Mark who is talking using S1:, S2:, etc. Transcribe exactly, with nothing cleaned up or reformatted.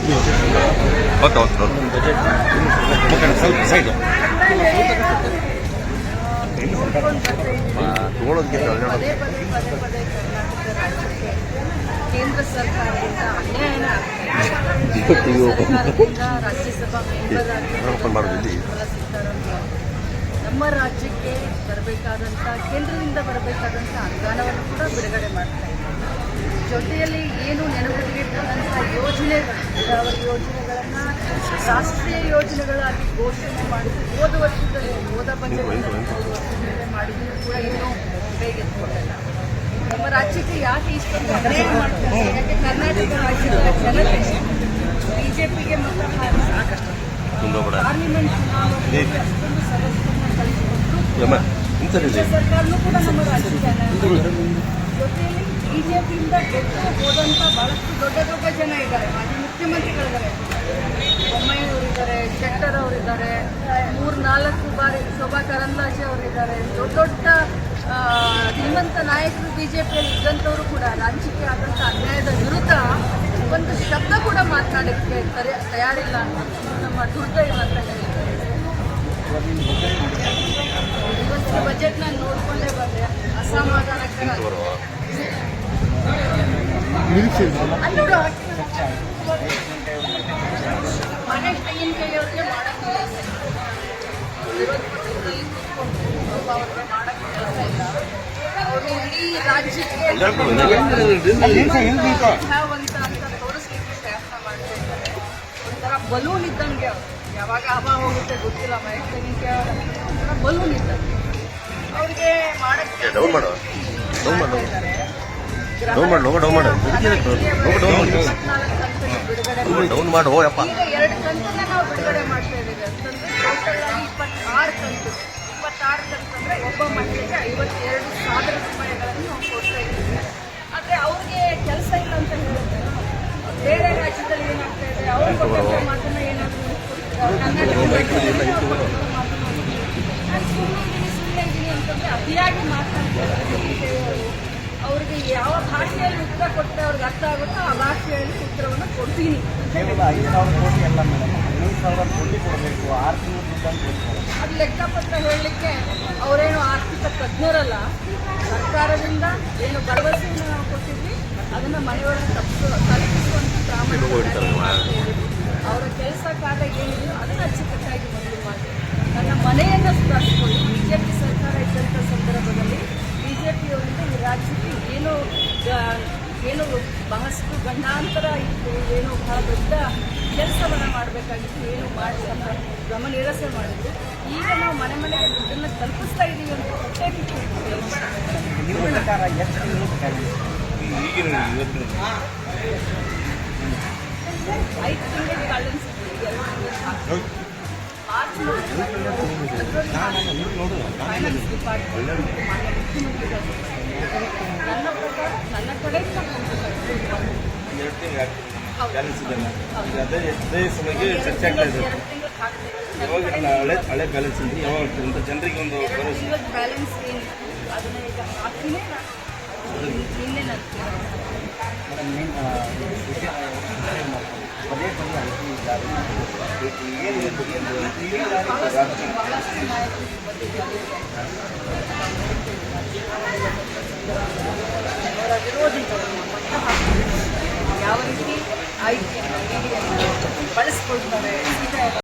S1: Okay okay side ತಗೊಳ್ಳೋದಕ್ಕೆ
S2: ಪದೇ ಪದೇ ಪದೇ ಪದೇ ಕರ್ನಾಟಕ ರಾಜ್ಯಕ್ಕೆ ಕೇಂದ್ರ ಸರ್ಕಾರದಿಂದ ಅನ್ಯಾಯನ ಸರ್ಕಾರದಿಂದ ರಾಜ್ಯಸಭಾ ಮೆಂಬರ್ ಆಗಿ ನಿರ್ಮಲಾ ಸೀತಾರಾಮನ್ ನಮ್ಮ ರಾಜ್ಯಕ್ಕೆ ಬರಬೇಕಾದಂಥ ಕೇಂದ್ರದಿಂದ ಬರಬೇಕಾದಂಥ ಅನುದಾನವನ್ನು ಕೂಡ ಬಿಡುಗಡೆ ಮಾಡ್ತಾ ಇದ್ದಾರೆ. ಜೊತೆಯಲ್ಲಿ ಏನು ನೆನಪಿಟ್ಟಿರ್ತಕ್ಕಂಥ ಯೋಜನೆಗಳು ನೀರಾವರಿ ಯೋಜನೆಗಳನ್ನು ರಾಷ್ಟ್ರೀಯ ಯೋಜನೆಗಳಾಗಿ ಘೋಷಣೆ ಮಾಡಿದ್ದು ಹೋದ ವರ್ಷದಲ್ಲಿ ಹೋದ ಬಜೆಟ್ನಲ್ಲಿ ಮಾಡಿದ್ರು ಕೂಡ ಇನ್ನೂ ಕೈಗೆತ್ತಿಕೊಂಡಿಲ್ಲ. ನಮ್ಮ ರಾಜ್ಯಕ್ಕೆ ಯಾಕೆ ಇಷ್ಟೊಂದು ಅನ್ಯಾಯ ಮಾಡ್ತಾರೆ? ಯಾಕೆ ಕರ್ನಾಟಕ ರಾಜ್ಯದ ಜನತೆ ಬಿಜೆಪಿಗೆ ಮತ ಹಾಕಿ ಪಾರ್ಲಿಮೆಂಟ್ ಚುನಾವಣೆಯಲ್ಲಿ ಅಷ್ಟೊಂದು ಸದಸ್ಯರನ್ನ ಕಳಿಸಿಕೊಟ್ಟು ಸರ್ಕಾರನೂ ಕೂಡ ನಮ್ಮ ರಾಜ್ಯದ ಜೊತೆಯಲ್ಲಿ ಬಿಜೆಪಿಯಿಂದ ಗೆದ್ದು ಹೋದಂಥ ಬಹಳಷ್ಟು ದೊಡ್ಡ ದೊಡ್ಡ ಜನ ಇದ್ದಾರೆ. ಮಾಜಿ ಮುಖ್ಯಮಂತ್ರಿಗಳಿದ್ದಾರೆ, ಬೊಮ್ಮಾಯಿಯವರಿದ್ದಾರೆ, ಶೆಟ್ಟರ್ ಅವರಿದ್ದಾರೆ, ಮೂರು ನಾಲ್ಕು ಬಾರಿ ಶೋಭಾ ಕರಂದ್ಲಾಜೆ ಅವರಿದ್ದಾರೆ. ದೊಡ್ಡ ದೊಡ್ಡ ಶ್ರೀಮಂತ ನಾಯಕರು ಬಿಜೆಪಿಯಲ್ಲಿ ಇದ್ದಂಥವರು ಕೂಡ ರಾಜ್ಯಕ್ಕೆ ಆದಂಥ ಅನ್ಯಾಯದ ವಿರುದ್ಧ ಒಂದು ಶಬ್ದ ಕೂಡ ಮಾತನಾಡಲಿಕ್ಕೆ ತಯಾರಿಲ್ಲ ಅನ್ನೋದು ನಮ್ಮ ದುರ್ದೈವ ಅಂತ ಹೇಳ್ತಾರೆ. ಇವತ್ತಿನ ಬಜೆಟ್ನ ನೋಡಿಕೊಂಡೇ ಬಂದೆ ಅಸಮಾಧಾನಕರ. ಮನೆ ತೆಂಗಿನಕಾಯಿಯವ್ರಿಗೆ ಮಾಡೋಕ್ಕೆ ವಿರೋಧ ಪಕ್ಷದಲ್ಲಿ ಕೂತ್ಕೊಂಡು ಅವ್ರಿಗೆ ಮಾಡೋಕ್ಕೆ ಕೆಲಸ ಇಲ್ಲ. ಅವರು ಇಡೀ ರಾಜ್ಯಕ್ಕೆ ಅಂತ ಅಂತ ತೋರಿಸ್ಲಿಕ್ಕೆ ಪ್ರಯತ್ನ ಮಾಡ್ತಾ ಇದ್ದಾರೆ. ಒಂಥರ ಬಲೂನ್ ಇದ್ದಂಗೆ ಅವರು ಯಾವಾಗ ಹವಾ ಹೋಗುತ್ತೆ ಗೊತ್ತಿಲ್ಲ. ಮನೆ ತೆಂಗಿನಕಾಯಿ ಒಂಥರ ಬಲೂನ್ ಇದ್ದಂಗೆ ಅವ್ರಿಗೆ ಮಾಡೋಕ್ಕೆ
S1: ಡೌನ್ ಮಾಡು ಯಪ್ಪ.
S2: ಈಗ ಎರಡು ಕಂತನ್ನ ನಾವು ಬಿಡುಗಡೆ ಮಾಡ್ತಾ ಇದ್ದೀವಿ ಅಂತಂದ್ರೆ ಟೋಟಲ್ ಆಗಿ ಇಪ್ಪತ್ತಾರು ಕಂತು ಇಪ್ಪತ್ತಾರು ಕಂತು ಅಂದ್ರೆ ಒಬ್ಬ ಮಹಿಳೆಗೆ ಐವತ್ತೆರಡು ಸಾವಿರ ರೂಪಾಯಿಗಳನ್ನು ನಾವು ಕೊಡ್ತಾ ಇದ್ದೀವಿ. ಆದರೆ ಅವ್ರಿಗೆ ಕೆಲಸ ಇಲ್ಲ ಅಂತ ಹೇಳ್ತಾರೆ. ಬೇರೆ ರಾಜ್ಯದಲ್ಲಿ ಏನಾಗ್ತಾ ಇದೆ, ಅವ್ರು ಕೊಟ್ಟಂತ ಮಾತನ್ನ ಏನಾದರೂ ನಾನು ಸುಮ್ಮನೆ ಇದ್ದೀನಿ ಸುಮ್ಮನೆ ಇದ್ದೀನಿ ಅಂತಂದ್ರೆ ಅತಿಯಾಗಿ ಮಾತನಾಡ್ತಾರೆ. ಅವ್ರಿಗೆ ಯಾವ ಭಾಷೆಯಲ್ಲಿ ಉತ್ತರ ಕೊಟ್ಟರೆ ಅವ್ರಿಗೆ ಅರ್ಥ ಆಗುತ್ತೋ ಆ ಭಾಷೆಯಲ್ಲಿ ಉತ್ತರವನ್ನು ಕೊಡ್ತೀನಿ.
S3: ಕೇವಲ ಐದು ಸಾವಿರ ಕೋಟಿ ಅಲ್ಲ ಮೇಡಮ್, ಹದಿನೈದು ಸಾವಿರ ಕೋಟಿ ಕೊಡಬೇಕು. ಆರು ತಿಂಗಳು
S2: ಅದು ಲೆಕ್ಕಪತ್ರ ಹೇಳಲಿಕ್ಕೆ ಅವರೇನು ಆರ್ಥಿಕ ತಜ್ಞರಲ್ಲ. ಸರ್ಕಾರದಿಂದ ಏನು ಭರವಸೆಯನ್ನು ನಾವು ಕೊಟ್ಟಿದ್ವಿ ಅದನ್ನು ಮನೆಯೊಳಗೆ ತಪ್ಪಿಸು ತಲುಪಿಸುವಂಥ ಪ್ರಾಮಾಣಿಕ ಅವರ ಕೆಲಸ ಕಾರ್ಯ ಏನಿದೆಯೋ ಅದನ್ನು ಅಚ್ಚುಕಟ್ಟಾಗಿ ಮೊದಲು ಮಾಡಿ ನನ್ನ ಮನೆಯನ್ನು ಸುಧಾರಿಸಿಕೊಂಡು ಬಿಜೆಪಿ ಸರ್ಕಾರ ಇದ್ದಂಥ ಸಂದರ್ಭದಲ್ಲಿ ಬಿಜೆಪಿಯವರಿಂದ ಈ ರಾಜ್ಯಕ್ಕೆ ಏನು ಏನು ಬಹಳಷ್ಟು ಗಂಡಾಂತರ ಇತ್ತು, ಏನು ಬಹಳ ದೊಡ್ಡ ಕೆಲಸವನ್ನು ಮಾಡಬೇಕಾಗಿತ್ತು, ಏನು ಮಾಡಿ ಅಂತ ಗಮನ ನಿರಸೆ ಮಾಡಿದ್ರು. ಈಗ ನಾವು ಮನೆ ಮನೆಗೆ ದುಡ್ಡನ್ನು ತಲುಪಿಸ್ತಾ ಇದ್ದೀವಿ ಅಂತ ಪ್ರತ್ಯೇಕಿತ್ತು. ಐದು ತಿಂಗಳಿಗೆ ಬ್ಯಾಲೆನ್ಸ್ ಮಾರ್ಚ್ ಫೈನಾನ್ಸ್ ಡಿಪಾರ್ಟ್ಮೆಂಟ್ ಮಾನ್ಯ ಮುಖ್ಯಮಂತ್ರಿಗಳು ನನ್ನ ಪ್ರಕಾರ ನನ್ನ ಕಡೆಯಿಂದ
S3: ಹಳೆ ಬ್ಯಾಲೆನ್ಸ್ ಯಾವಾಗ ಜನರಿಗೆ ಒಂದು
S2: ಬ್ಯಾಲೆನ್ಸ್ ಏನು ಅದನ್ನ ಈಗ ಹಾಕಿನೇ ನಿನ್ನೆ ನಾನು
S3: ಪದೇ ಪದೇ ಏನಿದೆ
S2: ಬಹಳಷ್ಟು ನಾಯಕರು ಅವರ ವಿರೋಧಿಗಳನ್ನು ಮಟ್ಟ ಹಾಕಿ ಯಾವ ರೀತಿ ಆಯ್ಕೆಯನ್ನು ಬಳಸ್ಕೊಳ್ತಾರೆ.